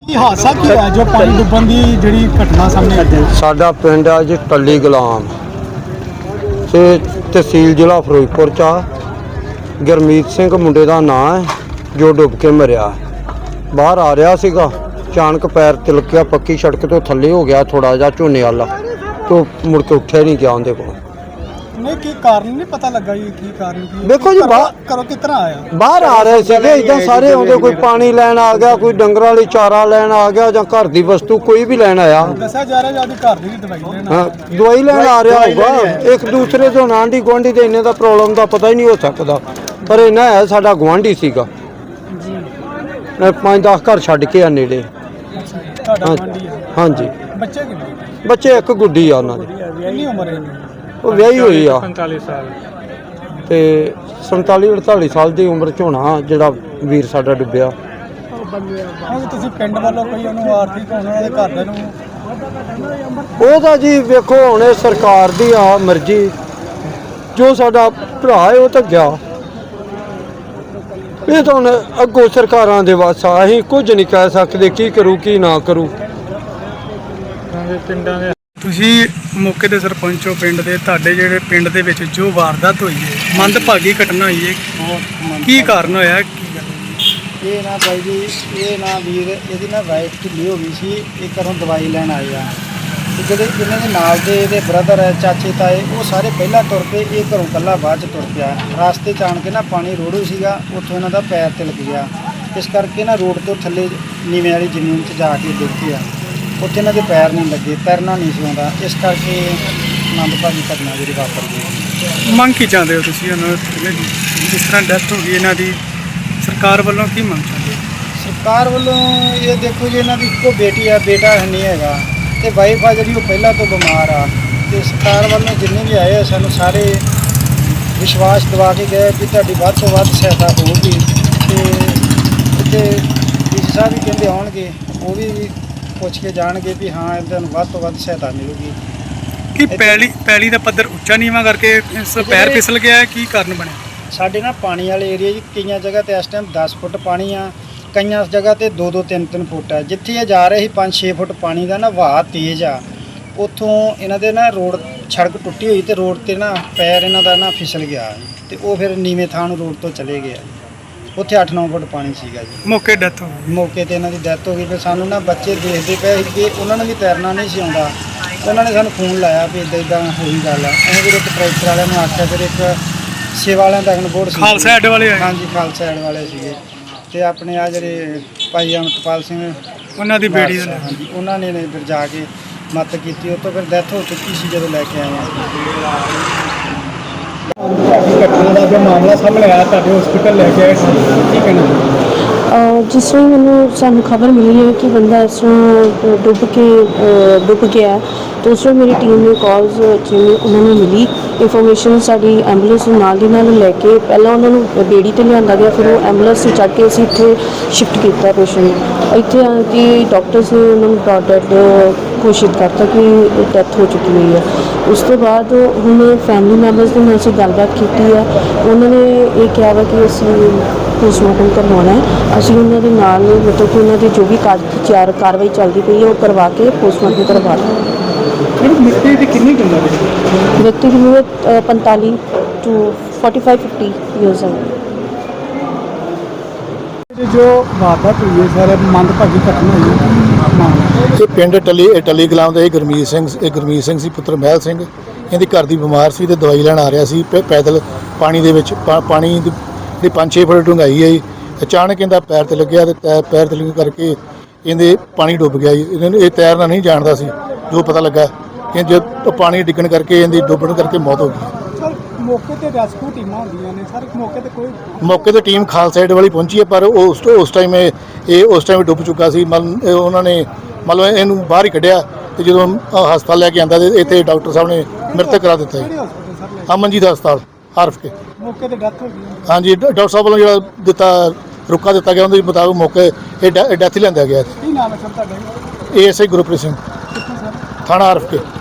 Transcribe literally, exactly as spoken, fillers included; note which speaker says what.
Speaker 1: ਹਾਦਸਾ ਕੀ ਹੋਇਆ ਜੋ ਪਾਣੀ ਡੁੱਬਣ ਦੀ ਜਿਹੜੀ ਘਟਨਾ ਸਾਹਮਣੇ ਆਈ?
Speaker 2: ਸਾਡਾ ਪਿੰਡ ਆ ਜੀ ਟੱਲੀ ਗੁਲਾਮ ਤੇ ਤਹਿਸੀਲ ਜ਼ਿਲ੍ਹਾ ਫਿਰੋਜ਼ਪੁਰ ਚ ਆ। ਗੁਰਮੀਤ ਸਿੰਘ ਮੁੰਡੇ ਦਾ ਨਾਂ ਹੈ ਜੋ ਡੁੱਬ ਕੇ ਮਰਿਆ। ਬਾਹਰ ਆ ਰਿਹਾ ਸੀਗਾ, ਅਚਾਨਕ ਪੈਰ ਤਿਲਕਿਆ, ਪੱਕੀ ਸੜਕ ਤੋਂ ਥੱਲੇ ਹੋ ਗਿਆ ਥੋੜਾ ਜਿਹਾ ਝੋਨੇ ਵਾਲਾ, ਤੋਂ ਮੁੜ ਕੇ ਉੱਠਿਆ ਨਹੀਂ ਗਿਆ ਉਹਦੇ ਕੋਲ।
Speaker 1: ਨਹੀਂ ਕੀ ਕਾਰਨ ਨਹੀਂ ਪਤਾ ਲੱਗਾ ਜੀ, ਕੀ ਕਾਰਨ ਕੀ?
Speaker 2: ਦੇਖੋ ਜੀ, ਬਾਹਰ
Speaker 1: ਕਰੋ ਕਿਸ ਤਰ੍ਹਾਂ ਆਇਆ?
Speaker 2: ਬਾਹਰ ਆ ਰਹੇ ਸੀਗੇ ਇਦਾਂ ਸਾਰੇ ਆਉਂਦੇ, ਕੋਈ ਪਾਣੀ ਲੈਣ ਆ ਗਿਆ, ਕੋਈ ਡੰਗਰਾਂ ਲਈ ਚਾਰਾ ਲੈਣ ਆ ਗਿਆ, ਜਾਂ ਘਰ ਦੀ ਵਸਤੂ ਕੋਈ ਵੀ ਲੈਣ ਆਇਆ।
Speaker 1: ਦੱਸਿਆ ਜਾ ਰਿਹਾ ਜੀ ਘਰ ਦੀ ਵੀ ਦਵਾਈ ਲੈਣ
Speaker 2: ਹਾਂ, ਦਵਾਈ ਲੈਣ ਆ ਰਿਹਾ ਹੋਊਗਾ। ਇੱਕ ਦੂਸਰੇ ਤੋਂ ਆਂਢੀ ਗੁਆਂਢੀ ਤੇ ਇੰਨੇ ਦਾ ਪ੍ਰੋਬਲਮ ਦਾ ਪਤਾ ਹੀ ਨਹੀਂ ਹੋ ਸਕਦਾ, ਪਰ ਇਹਨਾਂ ਹੈ ਸਾਡਾ ਗੁਆਂਢੀ ਸੀਗਾ
Speaker 1: ਜੀ।
Speaker 2: ਪੰਜ ਦਸ ਘਰ ਛੱਡ ਕੇ ਆ ਨੇੜੇ।
Speaker 1: ਤੁਹਾਡਾ ਗੁਆਂਢੀ ਹੈ?
Speaker 2: ਹਾਂਜੀ।
Speaker 1: ਬੱਚੇ ਕਿੰਨੇ?
Speaker 2: ਬੱਚੇ ਇੱਕ ਗੁੱਡੀ ਆ ਉਹਨਾਂ ਦੀ।
Speaker 1: ਕਿੰਨੀ ਉਮਰ ਹੈ ਇਹਦੀ?
Speaker 2: ਉਹ ਵਿਆਹੀ ਹੋਈ ਆ
Speaker 1: ਪੰਤਾਲੀ ਸਾਲ
Speaker 2: ਤੇ ਸੰਤਾਲੀ ਅੜਤਾਲੀ ਸਾਲ ਦੀ ਉਮਰ ਚ ਹੋਣਾ ਜਿਹੜਾ ਵੀਰ ਸਾਡਾ ਡੁੱਬਿਆ।
Speaker 1: ਹੁਣ ਤੁਸੀਂ ਪਿੰਡ ਵੱਲੋਂ ਕੋਈ ਉਹਨੂੰ ਆਰਥਿਕ ਉਹਨਾਂ ਦੇ ਘਰ ਦੇ ਨੂੰ?
Speaker 2: ਉਹ ਤਾਂ ਜੀ ਵੇਖੋ ਹੁਣ ਇਹ ਸਰਕਾਰ ਦੀ ਆ ਮਰਜ਼ੀ, ਜੋ ਸਾਡਾ ਭਰਾ ਹੈ ਉਹ ਤਾਂ ਗਿਆ। ਇਹ ਤਾਂ ਹੁਣ ਅੱਗੋਂ ਸਰਕਾਰਾਂ ਦੇ ਵੱਸ ਆ, ਅਸੀਂ ਕੁਝ ਨਹੀਂ ਕਹਿ ਸਕਦੇ ਕੀ ਕਰੂ ਕੀ ਨਾ ਕਰੂ।
Speaker 1: ਪਿੰਡਾਂ ਦੇ ਤੁਸੀਂ ਮੌਕੇ ਦੇ ਸਰਪੰਚ ਹੋ ਪਿੰਡ ਦੇ, ਤੁਹਾਡੇ ਜਿਹੜੇ ਪਿੰਡ ਦੇ ਵਿੱਚ ਜੋ ਵਾਰਦਾਤ ਹੋਈ ਹੈ, ਮੰਦਭਾਗੀ ਘਟਨਾ ਹੋਈ ਹੈ, ਕੀ ਕਾਰਨ ਹੋਇਆ? ਕੀ ਗੱਲ
Speaker 3: ਇਹ ਨਾ ਬਾਈ ਜੀ, ਇਹ ਨਾ ਵੀਰ ਇਹਦੀ ਨਾ ਵਾਈਫ ਢਿੱਲੀ ਹੋ ਗਈ ਸੀ, ਇਹ ਘਰੋਂ ਦਵਾਈ ਲੈਣ ਆਏ ਆ। ਤੇ ਜਿਹੜੇ ਇਹਨਾਂ ਦੇ ਨਾਲ ਦੇ ਇਹਦੇ ਬ੍ਰਦਰ ਹੈ, ਚਾਚੇ ਤਾਏ, ਉਹ ਸਾਰੇ ਪਹਿਲਾਂ ਤੁਰ ਪਏ, ਇਹ ਘਰੋਂ ਇਕੱਲਾ ਬਾਅਦ 'ਚ ਤੁਰ ਪਿਆ। ਰਾਸਤੇ 'ਚ ਆਣ ਕੇ ਨਾ ਪਾਣੀ ਰੋੜੂ ਸੀਗਾ, ਉੱਥੋਂ ਇਹਨਾਂ ਦਾ ਪੈਰ ਤਿਲਕ ਗਿਆ। ਇਸ ਕਰਕੇ ਨਾ ਰੋਡ ਤੋਂ ਥੱਲੇ ਨੀਵੇਂ ਵਾਲੀ ਜ਼ਮੀਨ 'ਚ ਜਾ ਕੇ ਦੇਖੇ ਆ, ਉੱਥੇ ਇਹਨਾਂ ਦੇ ਪੈਰ ਨਹੀਂ ਲੱਗੇ, ਤੈਰਨਾ ਨਹੀਂ ਸੀ ਆਉਂਦਾ। ਇਸ ਕਰਕੇ ਮੰਦਭਾਗੀ ਘਟਨਾ ਜਿਹੜੀ ਵਾਪਰ ਗਈ।
Speaker 1: ਮੰਗ ਕੀ ਚਾਹੁੰਦੇ ਹੋ ਤੁਸੀਂ ਉਹਨਾਂ ਜਿਸ ਤਰ੍ਹਾਂ ਡੈਥ ਹੋ ਗਈ ਇਹਨਾਂ ਦੀ, ਸਰਕਾਰ ਵੱਲੋਂ ਕੀ ਮੰਗ ਚਾਹੁੰਦੇ ਹੋ?
Speaker 3: ਸਰਕਾਰ ਵੱਲੋਂ ਇਹ ਦੇਖੋ ਜੀ, ਇਹਨਾਂ ਦੀ ਇੱਕੋ ਬੇਟੀ ਆ, ਬੇਟਾ ਨਹੀਂ ਹੈਗਾ, ਤੇ ਵਾਈਫ ਆ ਜਿਹੜੀ ਉਹ ਪਹਿਲਾਂ ਤੋਂ ਬਿਮਾਰ ਆ। ਤੇ ਸਰਕਾਰ ਵੱਲੋਂ ਜਿੰਨੇ ਵੀ ਆਏ ਆ ਸਾਨੂੰ ਸਾਰੇ ਵਿਸ਼ਵਾਸ ਦਿਵਾ ਕੇ ਗਏ ਕਿ ਤੁਹਾਡੀ ਵੱਧ ਤੋਂ ਵੱਧ ਸਹਾਇਤਾ ਹੋਊਗੀ। ਤੇ ਇੱਥੇ ਡੀ ਸੀ ਸਾਹਿਬ ਵੀ ਕਹਿੰਦੇ ਆਉਣਗੇ, ਉਹ ਵੀ ਪੁੱਛ ਕੇ ਜਾਣਗੇ ਵੀ ਹਾਂ ਇਹਨਾਂ ਨੂੰ ਵੱਧ ਤੋਂ ਵੱਧ ਸਹਾਇਤਾ ਮਿਲੂਗੀ।
Speaker 1: ਕਿ ਪੈਲੀ ਪੈਲੀ ਦਾ ਪੱਧਰ ਉੱਚਾ ਨੀਵਾਂ ਕਰਕੇ ਇਸ ਪੈਰ ਫਿਸਲ ਗਿਆ, ਕੀ ਕਾਰਨ ਬਣਿਆ?
Speaker 3: ਸਾਡੇ ਨਾ ਪਾਣੀ ਵਾਲੇ ਏਰੀਆ 'ਚ ਕਈਆਂ ਜਗ੍ਹਾ ਤੇ ਇਸ ਟਾਈਮ ਦਸ ਫੁੱਟ ਪਾਣੀ ਆ, ਕਈਆਂ ਜਗ੍ਹਾ ਤੇ ਦੋ ਦੋ ਤਿੰਨ ਤਿੰਨ ਫੁੱਟ ਆ। ਜਿੱਥੇ ਇਹ ਜਾ ਰਹੇ ਸੀ ਪੰਜ ਛੇ ਫੁੱਟ ਪਾਣੀ ਦਾ ਨਾ ਵਹਾਅ ਤੇਜ਼ ਆ, ਉੱਥੋਂ ਇਹਨਾਂ ਦੇ ਨਾ ਰੋਡ ਸੜਕ ਟੁੱਟੀ ਹੋਈ ਤੇ ਰੋਡ ਤੇ ਨਾ ਪੈਰ ਇਹਨਾਂ ਦਾ ਨਾ ਫਿਸਲ ਗਿਆ ਤੇ ਉਹ ਫਿਰ ਨੀਵੇਂ ਥਾਂ ਨੂੰ ਰੋਡ ਤੋਂ ਚਲੇ ਗਿਆ। ਉੱਥੇ ਅੱਠ ਨੌ ਫੁੱਟ ਪਾਣੀ ਸੀਗਾ ਜੀ।
Speaker 1: ਮੌਕੇ ਡੈਥ ਹੋ ਗਈ।
Speaker 3: ਮੌਕੇ ਤੇ ਇਹਨਾਂ ਦੀ ਡੈਥ ਹੋ ਗਈ। ਫਿਰ ਸਾਨੂੰ ਨਾ ਬੱਚੇ ਦੇਖਦੇ ਪਏ ਸੀ ਕਿ ਉਹਨਾਂ ਨੂੰ ਵੀ ਤੈਰਨਾ ਨਹੀਂ ਸੀ ਆਉਂਦਾ, ਉਹਨਾਂ ਨੇ ਸਾਨੂੰ ਫੋਨ ਲਾਇਆ ਵੀ ਇੱਦਾਂ ਇੱਦਾਂ ਹੋਈ ਗੱਲ ਆ। ਅਸੀਂ ਫਿਰ ਇੱਕ ਟਰੈਕਟਰ ਵਾਲਿਆਂ ਨੂੰ ਆਖਿਆ, ਫਿਰ ਇੱਕ ਸੇਵਾ ਵਾਲਿਆਂ ਦਾ ਬੋਰਡ ਸੀ,
Speaker 1: ਖਾਲਸਾ ਐਡ ਵਾਲੇ ਆਏ?
Speaker 3: ਹਾਂਜੀ, ਖਾਲਸਾ ਐਡ ਵਾਲੇ ਸੀਗੇ। ਤੇ ਆਪਣੇ ਆ ਜਿਹੜੇ ਭਾਈ ਅਮਰਪਾਲ ਸਿੰਘ
Speaker 1: ਉਹਨਾਂ ਦੀ ਬੇੜੀ ਦੇ
Speaker 3: ਹਾਂਜੀ, ਉਹਨਾਂ ਨੇ ਫਿਰ ਜਾ ਕੇ ਮਦਦ ਕੀਤੀ। ਉਹ ਤੋਂ ਫਿਰ ਡੈਥ ਹੋ ਚੁੱਕੀ ਸੀ ਜਦੋਂ ਲੈ ਕੇ ਆਏ ਆ।
Speaker 1: ਘਟਨਾ ਦਾ ਜੋ ਮਾਮਲਾ ਸਾਹਮਣੇ ਆਇਆ, ਤੁਹਾਡੇ ਹਸਪੀਟਲ ਲੈ ਕੇ ਆਏ ਸੀ, ਕੀ ਕਹਿਣਾ?
Speaker 4: ਜਿਸ ਤਰ੍ਹਾਂ ਮੈਨੂੰ ਸਾਨੂੰ ਖਬਰ ਮਿਲੀ ਹੈ ਕਿ ਬੰਦਾ ਇਸ ਤਰ੍ਹਾਂ ਡੁੱਬ ਕੇ ਡੁੱਬ ਗਿਆ, ਤਾਂ ਉਸ ਵੇਲੇ ਮੇਰੀ ਟੀਮ ਨੇ ਕਾਲਸ ਜਿਵੇਂ ਉਹਨਾਂ ਨੂੰ ਮਿਲੀ ਇਨਫੋਰਮੇਸ਼ਨ, ਸਾਡੀ ਐਂਬੂਲੈਂਸ ਨੂੰ ਨਾਲ ਦੀ ਨਾਲ ਲੈ ਕੇ ਪਹਿਲਾਂ ਉਹਨਾਂ ਨੂੰ ਬੇੜੀ 'ਤੇ ਲਿਆਂਦਾ ਗਿਆ, ਫਿਰ ਉਹ ਐਂਬੂਲੈਂਸ 'ਤੇ ਚੜ੍ਹ ਕੇ ਅਸੀਂ ਇੱਥੇ ਸ਼ਿਫਟ ਕੀਤਾ ਪੇਸ਼ੈਂਟ ਨੂੰ। ਇੱਥੇ ਆ ਕੇ ਡਾਕਟਰਸ ਨੇ ਉਹਨਾਂ ਨੂੰ ਡੈਡ ਘੋਸ਼ਿਤ ਕਰਤਾ ਕਿ ਡੈਥ ਹੋ ਚੁੱਕੀ ਹੋਈ ਹੈ। ਉਸ ਤੋਂ ਬਾਅਦ ਹੁਣ ਫੈਮਿਲੀ ਮੈਂਬਰਸ ਦੇ ਨਾਲ ਅਸੀਂ ਗੱਲਬਾਤ ਕੀਤੀ ਆ, ਉਹਨਾਂ ਨੇ ਇਹ ਕਿਹਾ ਵਾ ਕਿ ਅਸੀਂ ਪੋਸਟਮਾਰਟਮ ਕਰਵਾਉਣਾ ਹੈ। ਅਸੀਂ ਉਹਨਾਂ ਦੇ ਨਾਲ ਮਤਲਬ ਕਿ ਉਹਨਾਂ ਦੀ ਜੋ ਵੀ ਚਾਰ ਕਾਰਵਾਈ ਚੱਲਦੀ ਪਈ ਹੈ ਉਹ ਕਰਵਾ ਕੇ ਪੋਸਟਮਾਰਟਮ ਕਰਵਾ ਦਿਓ।
Speaker 1: ਮਿੱਟੀ ਦੀ ਕਿੰਨੀ ਕਿੰਨਾ ਦੇ
Speaker 4: ਵਿਅਕਤੀ ਦੀ ਉਮਰ ਪੰਤਾਲੀ to forty five fifty years ਹੈ।
Speaker 1: ਜੋ ਵਾਰਦਾਤ ਹੋਈ ਹੈ ਸਰ, ਮੰਦਭਾਗੀ ਘਟਨਾ ਹੋਈ ਹੈ।
Speaker 5: ਇਹ ਪਿੰਡ ਟੱਲੀ ਟੱਲੀ ਗੁਲਾਮ ਦਾ ਇਹ ਗੁਰਮੀਤ ਸਿੰਘ ਇਹ ਗੁਰਮੀਤ ਸਿੰਘ ਸੀ, ਪੁੱਤਰ ਮਹਿਲ ਸਿੰਘ। ਇਹਦੀ ਘਰ ਦੀ ਬਿਮਾਰ ਸੀ ਤੇ ਦਵਾਈ ਲੈਣ ਆ ਰਿਹਾ ਸੀ ਪੈਦਲ ਪਾਣੀ ਦੇ ਵਿੱਚ। ਪਾਣੀ ਦੀ ਪੰਜ ਛੇ ਫੁੱਟ ਡੂੰਘਾਈ ਹੈ। ਅਚਾਨਕ ਇਹਦਾ ਪੈਰ ਤੇ ਲੱਗਿਆ ਤੇ ਪੈਰ ਤੇ ਲੱਗਣ ਕਰਕੇ ਇਹਦੇ ਪਾਣੀ ਡੁੱਬ ਗਿਆ ਜੀ। ਇਹਨੂੰ ਇਹ ਤੈਰਨਾ ਨਹੀਂ ਜਾਣਦਾ ਸੀ। ਜੋ ਪਤਾ ਲੱਗਾ ਕਿ ਜਦ ਪਾਣੀ ਡਿੱਗਣ ਕਰਕੇ ਇਹਦੀ ਡੁੱਬਣ ਕਰਕੇ ਮੌਤ ਹੋ ਗਈ।
Speaker 1: ਮੌਕੇ ਤੇ ਰੈਸਕਿਊ ਟੀਮਾਂ ਹੁੰਦੀਆਂ ਨੇ ਸਰ, ਮੌਕੇ ਤੇ ਕੋਈ
Speaker 5: ਮੌਕੇ ਤੇ ਟੀਮ ਖਾਲਸਾ ਏਡ ਵਾਲੀ ਪਹੁੰਚੀ ਹੈ, ਪਰ ਉਸ ਉਸ ਟਾਈਮ ਇਹ ਉਸ ਟਾਈਮ ਡੁੱਬ ਚੁੱਕਾ ਸੀ। ਮਤਲਬ ਉਹਨਾਂ ਨੇ ਮਤਲਬ ਇਹਨੂੰ ਬਾਹਰ ਹੀ ਕੱਢਿਆ ਤੇ ਜਦੋਂ ਹਸਪਤਾਲ ਲੈ ਕੇ ਆਂਦਾ ਤੇ ਇੱਥੇ ਡਾਕਟਰ ਸਾਹਿਬ ਨੇ ਮ੍ਰਿਤਕ ਕਰਾ ਦਿੱਤਾ ਜੀ। ਅਮਨਜੀਤ ਹਸਪਤਾਲ ਆਰਫ ਕੇ
Speaker 1: ਮੌਕੇ ਤੇ ਡੈਥ ਹੋ ਗਈ।
Speaker 5: ਹਾਂਜੀ, ਡਾਕਟਰ ਸਾਹਿਬ ਵੱਲੋਂ ਜਿਹੜਾ ਦਿੱਤਾ ਰੁਕਾ ਦਿੱਤਾ ਗਿਆ, ਉਹਦੇ ਮੁਤਾਬਕ ਮੌਕੇ ਇਹ ਡੈਥ ਹੀ ਲੈਂਦਾ ਗਿਆ।
Speaker 1: ਕੀ ਨਾਮ ਹੈ ਸਰ ਤੁਹਾਡਾ?
Speaker 5: A S I Gurpreet Singh, ਥਾਣਾ ਆਰਫ ਕੇ।